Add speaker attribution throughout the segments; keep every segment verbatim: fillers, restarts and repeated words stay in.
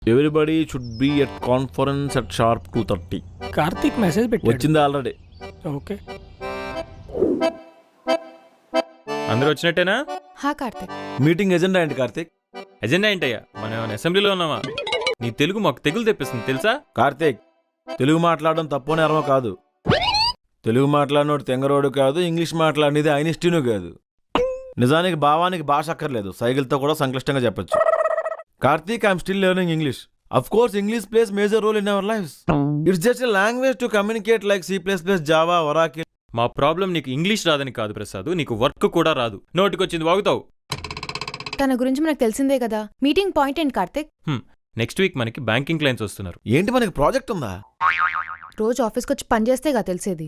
Speaker 1: Everybody should be at conference at sharp two thirty.
Speaker 2: Karthik message పెట్టి
Speaker 1: వచ్చింది already.
Speaker 2: Okay
Speaker 3: అందరూ వచ్చినట్టేనా?
Speaker 4: హా కార్తిక్.
Speaker 1: మీటింగ్ ఎజెండా ఏంటి కార్తీక్?
Speaker 3: ఎజెండా ఏంటయ్యా? మనం ఏమైనా అసెంబ్లీలో ఉన్నామా? నీ తెలుగు మాకు తెగులు తెప్పిస్తుంది తెలుసా?
Speaker 1: కార్తీక్, తెలుగు మాట్లాడడం తప్పు నేరమో కాదు. తెలుగు మాట్లాడినోడు తెంగరోడు కాదు, ఇంగ్లీష్ మాట్లాడినది ఐనిస్టీను కాదు. నిజానికి భావానికి భాష అక్కర్లేదు, సైకిల్తో కూడా సంక్లిష్టంగా చెప్పొచ్చు. Karthik, I'm still learning English. Of course English plays major role in our lives. It's just a language to communicate like C plus plus, Java, Oracle.
Speaker 3: మా ప్రాబ్లం నీకు ఇంగ్లీష్ రాదని కాదు ప్రసాద్, నీకు వర్క్ కూడా రాదు. నోటికొచ్చింది వాగుతావు.
Speaker 4: తన గురించి మనకు తెలిసిందే కదా. మీటింగ్ పాయింట్ ఏంటి కార్తిక్?
Speaker 3: నెక్స్ట్ వీక్ మనకి బ్యాంకింగ్ క్లయింట్స్ వస్తున్నారు.
Speaker 1: ఏంటి, మనకి ప్రాజెక్ట్ ఉందా?
Speaker 4: రోజు ఆఫీస్కి వచ్చి పని చేస్తేగా తెలిసేది.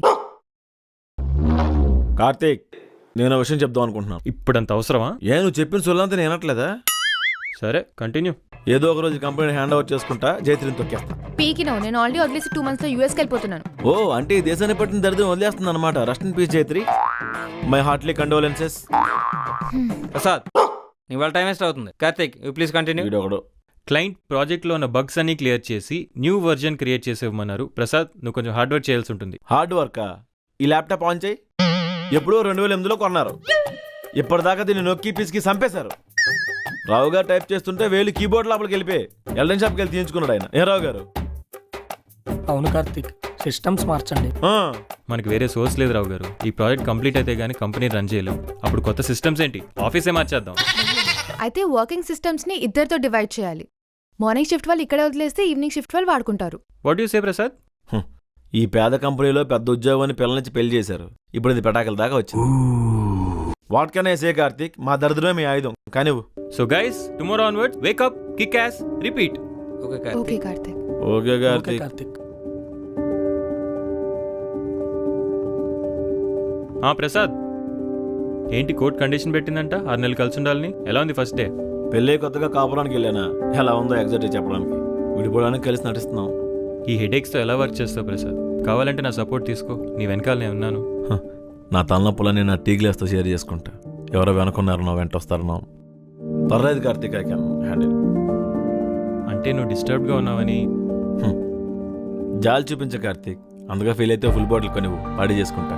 Speaker 1: కార్తీక్, నేను విషయం చెప్దాం అనుకుంటున్నాను.
Speaker 3: ఇప్పుడంత అవసరమా?
Speaker 1: ఏ, నువ్వు చెప్పిన సొల్లంతా నేను వినట్లేదా?
Speaker 3: సరే కంటిన్యూ.
Speaker 1: ఏదో ఒక రోజు కంపెనీ హ్యాండ్ ఓవర్ చేసుకుంటా, జైత్రిని తొక్కేస్తా.
Speaker 4: పీకినో, నేను ఆల్రెడీ వదిలేసి టూ మంత్స్ లో యూఎస్కి వెళ్ళిపోతున్నాను.
Speaker 1: ఓ, అంటే ఈ దేశాన్ని పట్టిన దరిద్రం వదిలేస్తుంది అనమాట. Rest in peace Jaitri. My heartly condolences.
Speaker 5: Prasad, ఇవాళ టైం వేస్ట్ అవుతుంది. Karthik, you please continue.
Speaker 1: వీడొకడు.
Speaker 3: క్లయింట్ ప్రాజెక్ట్లో ఉన్న బగ్స్ అన్ని క్లియర్ చేసి న్యూ వర్జన్ క్రియేట్ చేసేవమన్నారు. ప్రసాద్, నువ్వు కొంచెం హార్డ్ వర్క్ చేయాల్సి ఉంటుంది.
Speaker 1: హార్డ్ వర్కా? ఈ ల్యాప్టాప్ ఆన్ చేయి. ఎప్పుడో రెండు వేల ఎనిమిదిలో కొన్నారు. ఇప్పటిదాకా దీన్ని నొక్కి పిసికి చంపేశారు. రావు గారు టైప్ చేస్తుంటే వేలు కీబోర్డ్ లోపలికి వెళ్ళిపోయి ఎల్డెన్ షాప్కి వెళ్ళి తీయించుకున్నాడు ఆయన. ఏ రావు గారు?
Speaker 2: అవును కార్తీక్, సిస్టమ్స్ మార్చండి.
Speaker 1: ఆ,
Speaker 3: మనకి వేరే సోర్స్ లేదు రావు గారు. ఈ ప్రాజెక్ట్ కంప్లీట్ అయితే గానీ కంపెనీ రన్ చేయలేం. అప్పుడు కొత్త సిస్టమ్స్ ఏంటి, ఆఫీసే మార్చేద్దాం.
Speaker 4: అయితే వర్కింగ్ సిస్టమ్స్ ని ఇద్దరితో డివైడ్ చేయాలి. మార్నింగ్ షిఫ్ట్ వాళ్ళు ఇక్కడే వదిలేస్తే ఈవినింగ్ షిఫ్ట్ వాళ్ళు వాడుకుంటారు.
Speaker 3: What you say Prasad?
Speaker 1: ఈ పేద కంపెనీలో పెద్ద ఉద్యోగాన్ని పిల్లల నుంచి పెళ్లి చేశారు. ఇప్పుడు ఇది పెటాకల దాకా వచ్చింది. What can I say Karthik, మా దరిద్రమే మీ ఆయుధం. కానీ
Speaker 3: so guys, tomorrow onwards wake up, kick ass, repeat.
Speaker 5: Okay
Speaker 4: okay Karthik.
Speaker 1: Okay
Speaker 2: okay
Speaker 1: Karthik.
Speaker 2: Karthik.
Speaker 3: ఆ ప్రసాద్, ఏంటి కోర్ట్ కండిషన్ పెట్టిందంట ఆరు నెలలు కలిసి ఉండాలని? ఎలా ఉంది ఫస్ట్ డే?
Speaker 1: పెళ్ళే కొత్తగా కాపురానికి వెళ్ళానా, ఎలా ఉందో ఎగ్జాక్ట్గా చెప్పడానికి. విడిపోవడానికి కలిసి నటిస్తున్నాం.
Speaker 3: ఈ హెడేక్స్తో ఎలా వర్క్ చేస్తావు ప్రసాద్? కావాలంటే నా సపోర్ట్ తీసుకో, నీ వెనకాల నేను ఉన్నాను.
Speaker 1: హ, నా తలనొప్పులని నా టీ గ్లాస్తో షేర్ చేసుకుంటా. ఎవరో వెనుకున్నారనో వెంట వస్తారనో పర్లేదు కార్తీక్, ఐ కెన్ హ్యాండిల్.
Speaker 3: అంటే నువ్వు డిస్టర్బ్డ్గా ఉన్నావని?
Speaker 1: జాలి చూపించ కార్తీక్, అందుగా ఫీల్ అయితే ఫుల్ బాటిల్ కొనివ్వు, పాడి చేసుకుంటా.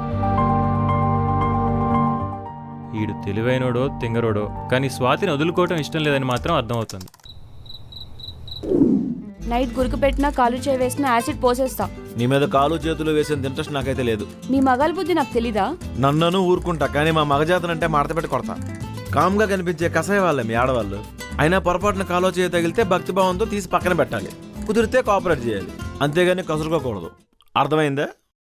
Speaker 3: ఈడు తెలివైనోడో తింగరోడో, కానీ స్వాతిని వదులుకోవటం ఇష్టం లేదని మాత్రం అర్థమవుతుంది.
Speaker 6: నైట్ గురుకు పెట్టినా కాలు చేయి వేసిన యాసిడ్ పోసేస్తా.
Speaker 1: నీ మీద కాలు చేతులు వేసేంత ఇంట్రెస్ట్ నాకైతే లేదు.
Speaker 6: మీ మగాల బుద్ధి నాకు తెలీదా?
Speaker 1: నన్నను ఊరుకుంటా, కానీ మా మగజాతనంటే మడత పెట్టి కొడతా. కామ్గా కనిపించే కసాయ వాళ్ళే మీ ఆడవాళ్ళు. అయినా పొరపాటున కాలో చేయ తగిలితే భక్తిభావంతో తీసి పక్కన పెట్టాలి. కుదిరితే కోఆపరేట్ చేయాలి, అంతేగాని కసురుకోకూడదు. అర్థమైందా?